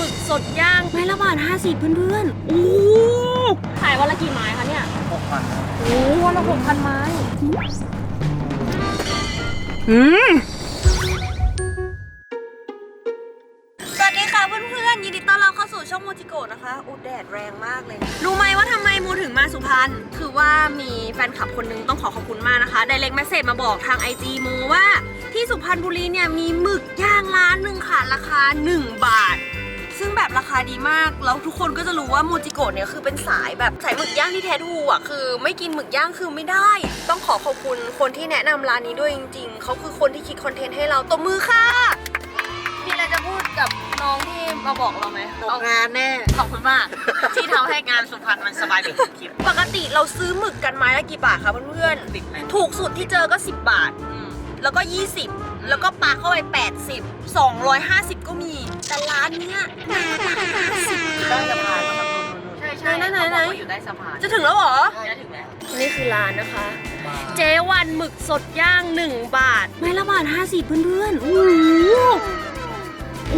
กสดย่างไม้ละบาท50เพื่อนๆโอ้ขายวันละกี่ไม้คะเนี่ย 6,000 โอ้วันละ6,000 ไม้สวัสดีค่ะเพื่อนๆยินดีต้อนรับเข้าสู่ช่องโมจิโกะนะคะอุดแดดแรงมากเลยรู้ไหมว่าทำไมโมถึงมาสุพรรณคือว่ามีแฟนคลับคนนึงต้องขอบคุณมากนะคะDirect Messageมาบอกทาง IG โมว่าที่สุพรรณบุรีเนี่ยมีหมึกย่างร้านหนึ่งค่ะราคา1 บาทซึ่งแบบราคาดีมากแล้วทุกคนก็จะรู้ว่าโมจิโกะเนี่ยคือเป็นสายแบบสายหมึกย่างที่แท้ทรูอ่ะคือไม่กินหมึกย่างคือไม่ได้ต้องขอบคุณคนที่แนะนำร้านนี้ด้วยจริงๆเขาคือคนที่คิดคอนเทนต์ให้เราตบมือค่ะมีอะไรจะพูดกับน้องที่มาบอกเราไหมเอางานแน่ขอบคุณมากที่ทำให้งานสุพรรณมันสบายไปคลิปปกติเราซื้อหมึกกันไม้ละกี่บาทคะเพื่อนๆถูกสุดที่เจอก็10 บาทแล้วก็20แล้วก็ปลาเข้าไป80 250ก็มีแต่ร้านเนี้ย50ได้สะพานใช่ไหนอยู่ได้สะพานจะถึงแล้วเหรอจะถึงแล้วนี่คือร้านนะคะเจวันหมึกสดย่าง1 บาทไม้ละบาท50เพื่อนๆโอ้โห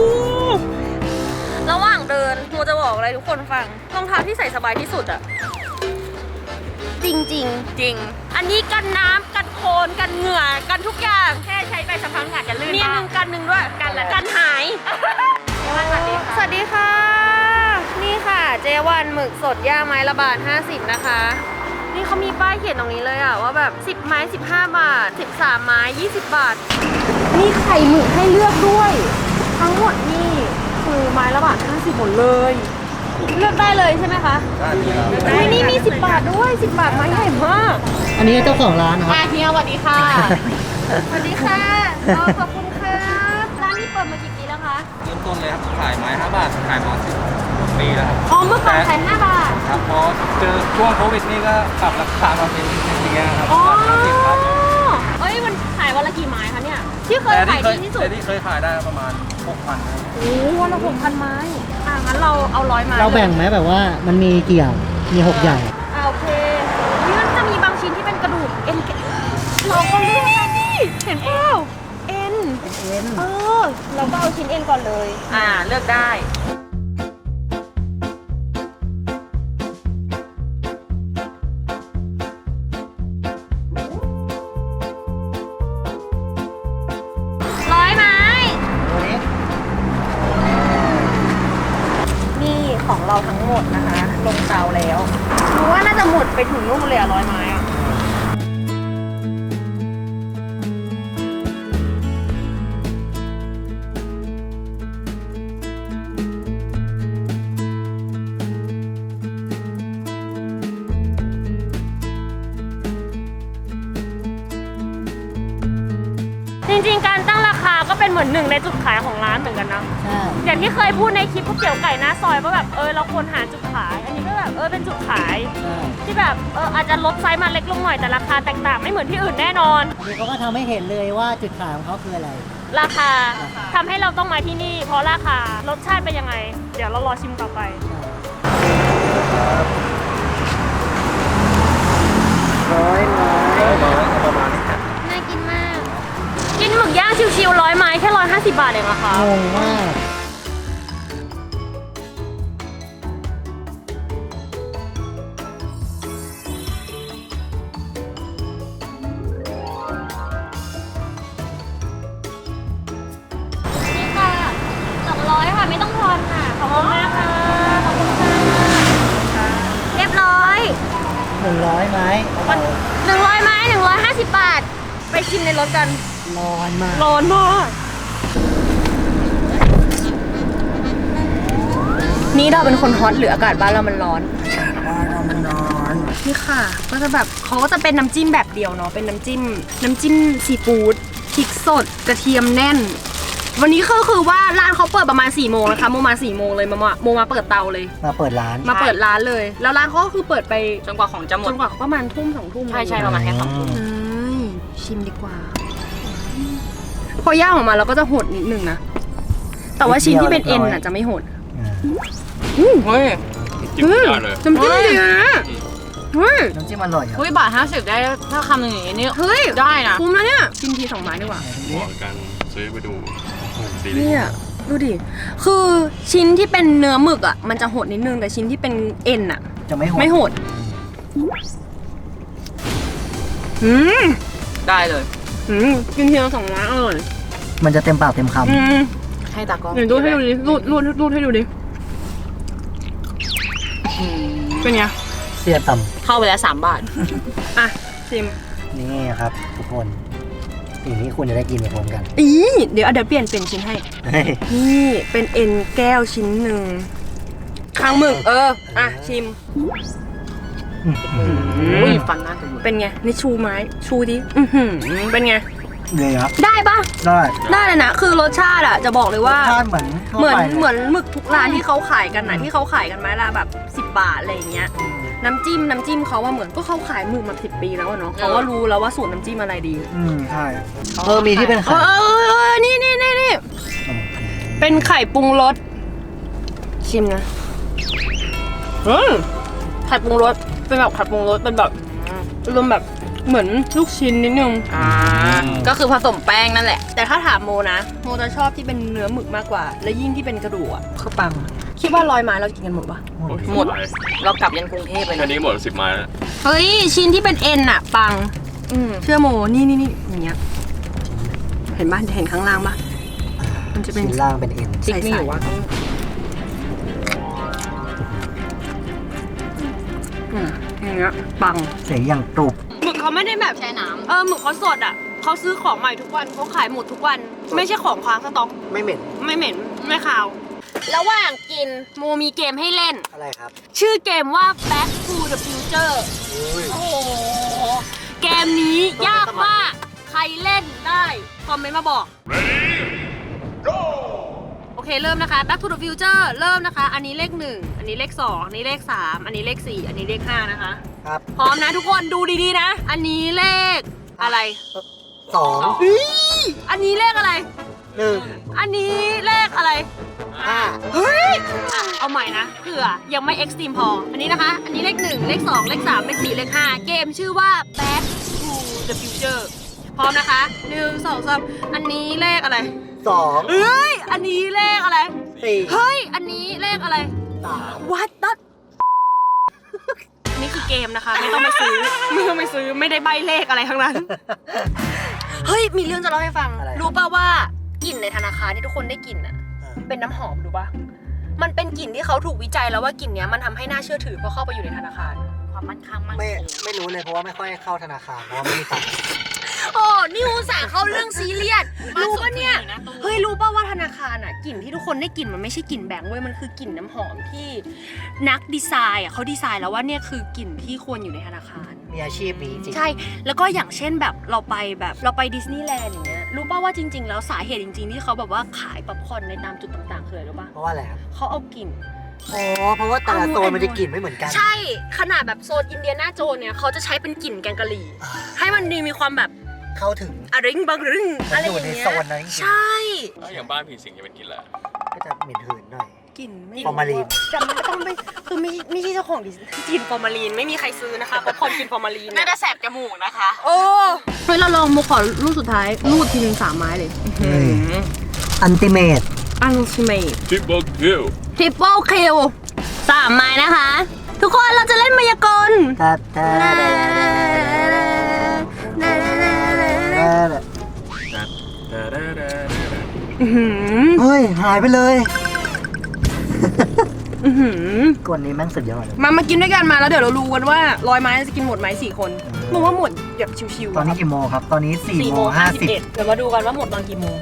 ระหว่างเดินโมจะบอกอะไรทุกคนฟังรองเท้าที่ใส่สบายที่สุดอะจริงจริงอันนี้กันน้ำกันโคลนกันเหงื่อกันทุกอย่างแค่ใช้ไปสักพักอาจจะลื่นมีหนึ่งด้วยกันหายสวัสดีค่ะนี่ค่ะเจวันหมึกสดย่างไม้ละบาท50นะคะนี่เขามีป้ายเขียนตรงนี้เลยอะว่าแบบ10 ไม้15 บาท13 ไม้20 บาทมีไข่หมึกให้เลือกด้วยทั้งหมดนี่คือไม้ละบาท50หมดเลยเลือกได้เลยใช่ไหมคะได้นี่มี10 บาทด้วย10 บาทไม้ใหญ่มากอันนี้เจ้าของร้านนะครับเฮียสวัสดีค่ะสวัสดีค่ะขอบคุณค่ะร้านนี้เปิดมากี่ปีแล้วคะเริ่มต้นเลยครับขายไม้5 บาทขายมา10 ปีแล้วครับอ๋อเมื่อก่อนขาย5 บาทครับพอเจอช่วงโควิดนี่ก็ปรับราคามาเป็นอย่างเงี้ยครับ50 ครับเอ้ยมันขายวันละกี่ไม้คะเนี่ยที่เคยขายดีที่สุดแต่ที่เคยขายได้ประมาณ 6,000 ครับโอ้วันละ6,000 ไม้งั้นเราเอา100 ไม้เราแบ่งไหมแบบว่ามันมีกี่อย่างมี6 อย่างโอเคนี่มันจะมีบางชิ้นที่เป็นกระดูกเอ็นเราก็เลือกนี่เห็นเปล่าเอ็นเราก็เอาชิ้นเอ็นก่อนเลยเลือกได้ของเราทั้งหมดนะคะลงเตาแล้วรู้ว่าน่าจะหมดไปถึงนู่นเลย100 ไม้อะจริงๆการตั้งราคาก็เป็นเหมือนหนึ่งในจุดขายของร้านเหมือนกันนะใช่อย่างที่เคยพูดในคลิปก๋วยเตี๋ยวไก่หน้าซอยว่าแบบเราควรหาจุดขายอันนี้ก็แบบเป็นจุดขายที่แบบอาจจะลดไซส์มาเล็กลงหน่อยแต่ราคาแตกต่างไม่เหมือนที่อื่นแน่นอนอันนี้เขาก็ทำให้เห็นเลยว่าจุดขายของเขาคืออะไรราคาทำให้เราต้องมาที่นี่เพราะราคารสชาติเป็นยังไงเดี๋ยวเรารอชิมต่อไป 100 ประมาณนี้ครับน่ากินมากกินหมึกย่างชิวๆ100 ไม้แค่150 บาทเองอะค่ะงงมากนี่ค่ะ200ค่ะไม่ต้องทอนค่ะขอบคุณมากค่ะขอบคุณค่ะเรียบร้อย 100 ไม้ 100 ไม้150 บาทไปชิมในรถกันร้อนมากนี่เราเป็นคนฮอตหรืออากาศบ้านเรามันร้อนนี่ค่ะก็จะแบบเขาก็จะเป็นน้ำจิ้มแบบเดียวเนาะเป็นน้ำจิ้มซีฟู้ดพริกสดกระเทียมแน่นวันนี้คือว่าร้านเขาเปิดประมาณ4 โมงนะคะโมมา4 โมงเลยโมมาเปิดเตาเลยมาเปิดร้านเลยแล้วร้านเขาก็คือเปิดไปจนกว่าของจะหมดจนกว่าประมาณทุ่ม2 ทุ่มใช่ประมาณแค่2 ทุ่มชิมดีกว่าพอย่างออกมาเราก็จะหดนิดนึงนะแต่ว่าชิ้นที่เป็นเอ็นน่ะจะไม่หดเฮ้ยจิ้มได้เลยน้ำจิ้มดีนะน้ำจิ้มอร่อยอ่ะบาท50ได้ถ้าคำหนึ่งอย่างนี้ได้นะคุ้มแล้วเนี่ยชิมที2 ไม้ดีกว่าเหมาะกันซื้อไปดูเนี่ยดูดิ คือชิ้นที่เป็นเนื้อหมึกอ่ะ มันจะโหดนิดนึง แต่ชิ้นที่เป็นเอ็นอ่ะจะไม่โหดไม่โหดได้เลยกินทีละ2 ไม้อร่อยมันจะเต็มปากเต็มคให้ตากล้องเดี๋ยวรูดให้ดูดิรูดให้ดูดิ เป็นไงำเสียต่เข้าไปแล้ว3 บาทอ่ะชิมำนี่ครับทุกคนสิ่งที่คุณจะได้กินในพร้อมกันเดี๋ยวเปลี่ยนเป็นชิ้นให้เฮ้ยนี่เป็นเอ็นแก้วชิ้นหนึ่งคางหมึกอ่ะชิมอุ้ยฟันหน้าตัวเป็นไง นี่ชูไม้ ชูดิเป็นไงเลยครับได้ปะได้ได้เลยนะ คือรสชาติอะจะบอกเลยว่าทานเหมือนทั่วเหมือนไปเหมือนหมึกทุกร้านที่เขาขายกันนะที่เขาขายกันไม้ละแบบ10 บาทอะไรอย่างเงี้ย น้ำจิ้มเขาว่าเหมือนก็เขาขายหมึกมา10 ปีแล้วอะเนาะเขาก็รู้แล้วว่าสูตรน้ำจิ้มอะไรดีใช่มีที่เป็นไข่นี่เป็นไข่ปรุงรสชิมนะไข่ปรุงรสเป็นแบบไข่ปรุงรสเป็นแบบรวมแบบเหมือนลูกชิ้นนิดนึงก็คือผสมแป้งนั่นแหละแต่ถ้าถามโมนะโมจะชอบที่เป็นเนื้อหมึกมากกว่า และยิ่งที่เป็นกระดูกอ่ะคือปังคิดว่า100 ไม้เรากินกันหมดปะหมด เรากลับยันกรุงเทพไปอันนะนี้หมด10 ไม้แล้วเฮ้ยชิ้นที่เป็นเอ็นอะปังเชื่อโมนี่อย่างเงี้ยเห็นบ้านเห็นข้างล่างปะมันจะเป็นชิ้นล่างเป็นเอ็นจิ๊กนี่อยู่ว่าต้องอย่างเงี้ยปังเสียงอย่างกรุบหมึกเขาไม่ได้แบบแช่น้หมึกเขาสดอ่ะเขาซื้อของใหม่ทุกวันเขาขายหมดทุกวัน ไม่ใช่ของค้างสต็อกไม่เหม็นไม่เหม็นไม่ขาว ระหว่างกินโมมีเกมให้เล่นอะไรครับชื่อเกมว่า Back to the Future โอ้โหเกมนี้ยากมาก ใครเล่นได้คอมเมนต์มาบอก โอเคเริ่มนะคะ Back to the Future เริ่มนะคะ อันนี้เลข 1 อันนี้เลข 2 อันนี้เลข 3 อันนี้เลข 4 อันนี้เลข 5 นะคะครับพร้อมนะทุกคนดูดีๆนะ อันนี้เลขอะไร 2 อันนี้เลขอะไร 1 อันนี้เลขอะไร 5 เฮ้ยอ่ะเอาใหม่นะเผื่อยังไม่เอ็กซ์ตรีมพอ อันนี้นะคะ อันนี้เลข 1 เลข 2 เลข 3 เลข 4 เลข 5 เกมชื่อว่า Back to the Future พร้อมนะคะ 1 2 3 อันนี้เลขอะไร 2 เฮ้ย อันนี้เลขอะไร 4 เฮ้ย อันนี้เลขอะไร 3 What the นี่คือเกมนะคะ ไม่ต้องไปซื้อ ไม่ได้ใบเลขอะไรทั้งนั้น เฮ้ย มีเรื่องจะเล่าให้ฟังอะไรรู้ป่าวว่ากลิ่นในธนาคารที่ทุกคนได้กลิ่นอ่ะ เป็นน้ำหอมรู้ป่ะ มันเป็นกลิ่นที่เขาถูกวิจัยแล้วว่ากลิ่นเนี้ยมันทำให้น่าเชื่อถือพอเข้าไปอยู่ในธนาคารความมั่นคงมั่นคไม่รู้เลยเพราะว่าไม่ค่อยเข้าธนาคารเพราะว่าไม่มีตังค์โอ้นี่อุตส่าห์เข้าเรื่องซีเรียส รู้ป่ะเนี่ย เฮ้ยรู้ป่ะว่าธนาคารอ่ะกลิ่นที่ทุกคนได้กลิ่นมันไม่ใช่กลิ่นแบงค์เว้ย มันคือกลิ่นน้ำหอมที่นักดีไซน์อ่ะเขาดีไซน์แล้วว่าเนี่ยคือกลิ่นที่ควรอยู่ในธนาคารมีอาชีพนี้จริงใช่ แล้วก็อย่างเช่นแบบเราไปดิสนีย์แลนด์อย่างเงี้ย รู้ป่ะว่าจริง ๆ แล้วสาเหตุจริง ๆ ที่เขาแบบว่าขายป๊อปคอร์นในตามจุดต่างๆคืออะไรรู้ป่ะเพราะว่าอะไรครับเขาเอากลิ่นอ๋อเพราะว่าแต่ละโซนมันจะกลิ่นไม่เหมือนกันใช่ ขนาดแบบโซนอินเดียนาโจนเนี่ยเขาจะใช้เป็นกลิ่นแกงกะหรี่ ให้มันมีความแบบเข้าถึงอะริงบังริงอะไรออยู่ ย่างในเงี้ยโซนนั้นจริงๆใช่อย่างบ้านผีสิงจะเป็นกินแหละก็จะเหม็นหืนหน่อยกลิ่นไม่ฟอร์มาลีนจำไม่ต้องไปคือไม่ใช่เจ้าของดิสกลิ่นฟอร์มาลีนไม่มีใครซื้อนะคะเพราะคนกินฟอร์มาลีนน่าจะแสบจมูกนะคะโอ้เฮ้ยเราลองมุกขอรูปสุดท้ายรูดทีนึง3 ไม้เลยอันติเมตอันซิเมตทิปเปิลคิวทริปเปิลคิว3 ไม้นะคะ ทุกคนเราจะเล่นมายากลเฮ้ย หายไปเลยกวนนี้แม่งสุดยอดเลยมากินด้วยกันมาแล้วเดี๋ยวเรารู้กันว่า100 ไม้จะกินหมดไหม4 คนรู้ว่าหมดแบบชิวๆตอนนี้กี่โมงครับ ตอนนี้4 โมง 50 เดี๋ยวมาดูกันว่าหมดตอนกี่โมง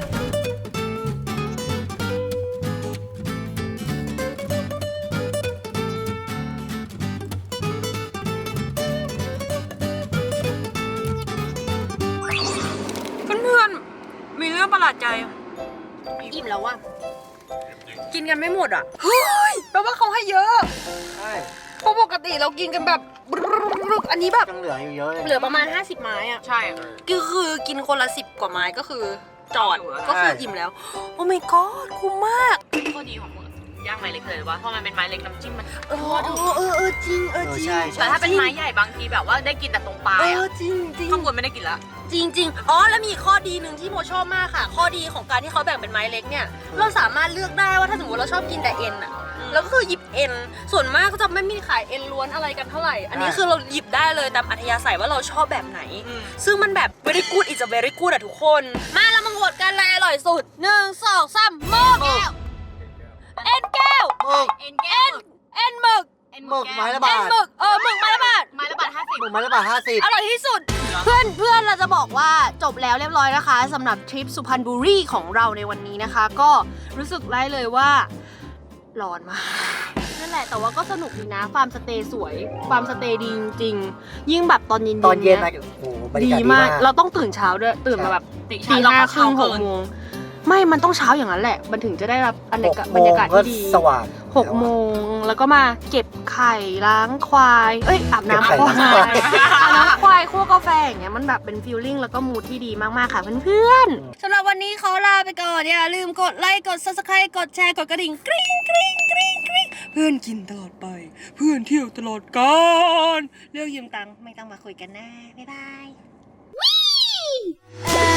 เพื่อนๆมีเรื่องประหลาดใจอิ่มแล้วว่ะกินกันไม่หมดอ่ะเฮ้ยแปลว่าเขาให้เยอะใช่เพราะปกติเรากินกันแบบอันนี้แบบยังเหลืออยู่เยอะเลยเหลือประมาณ50 ไม้อ่ะใช่ก็คือกินคนละ10 กว่าไม้ก็คือจอดอยู่แล้วก็คืออิ่มแล้ว โอ้ my god คุ้มมากข้อดีของมึงย่างไม้เล็กเลยว่าเพราะมันเป็นไม้เล็กน้ำจิ้มมันเออจริงจริงใช่แต่ถ้าเป็นไม้ใหญ่บางทีแบบว่าได้กินแต่ตรงปลายอะจริงจริงข้างบนไม่ได้กินละจริงๆ อ๋อ แล้วมีข้อดีหนึ่งที่โมชอบมากค่ะ ข้อดีของการที่เขาแบ่งเป็นไม้เล็กเนี่ย เราสามารถเลือกได้ว่าถ้าสมมติเราชอบกินแต่เอ็นอะแล้วก็คือหยิบเอ็น ส่วนมากก็จะไม่มีขายเอ็นล้วนอะไรกันเท่าไหร่ อันนี้คือเราหยิบได้เลยตามอัธยาศัยว่าเราชอบแบบไหน ซึ่งมันแบบ very good is a very good อะทุกคน มาเรามาโหวตกันอะไรอร่อยสุด 1 2 3หมึกเอ็นแก้วหมึกเอ็นแก้วเอ็นหมึกหมึกไม้ละเอ็บาน ทหมึกหมึกไม้ละบาทไม้ละบาท50 หมึกไม้ละบาท50 อร่อยที่สุด เพื่อนเราจะบอกว่าจบแล้วเรียบร้อยนะคะสำหรับทริปสุพรรณบุรีของเราในวันนี้นะคะ ก็รู้สึกได้เลยว่าร้อนมากนั่นแหละแต่ว่าก็สนุกดีนะฟาร์มสเตย์สวยฟาร์มสเตย์ดีจริงๆยิ่งแบบตอนเย็นๆตอนเย็นยมาโอ้โหบรรยาดีกาศดีมากมากเราต้องตื่นเช้าด้วยตื่นมาแบบตีตีเราห้าก็ครึ่เช้างหเกิกนโมงไม่มันต้องเช้าอย่างนั้นแหละมันถึงจะได้รับบรรยากาศ 6 บรรยากาศก็ที่ดีสว่าง 6 โมงแล้วก็มาเก็บไข่ล้างควายอาบน้ำเก็บไข่ควาล้างยควายอาบน้ำควายคั่วกาแฟอย่างเงี้ยมันแบบเป็นฟีลลิ่งแล้วก็มูดที่ดีมากๆค่ะเพื่อนๆสำหรับวันนี้ขอลาไปก่อนอย่าลืมกดไลค์กด Subscribe กดแชร์กดกระดิ่งกริ๊งกริ๊งกริ๊งกริ๊งเพื่อนกินตลอดไปเพื่อนเที่ยวตลอดกาลเรื่องยืมตังค์ไม่ต้องมาคุยกันนะบ๊ายบาย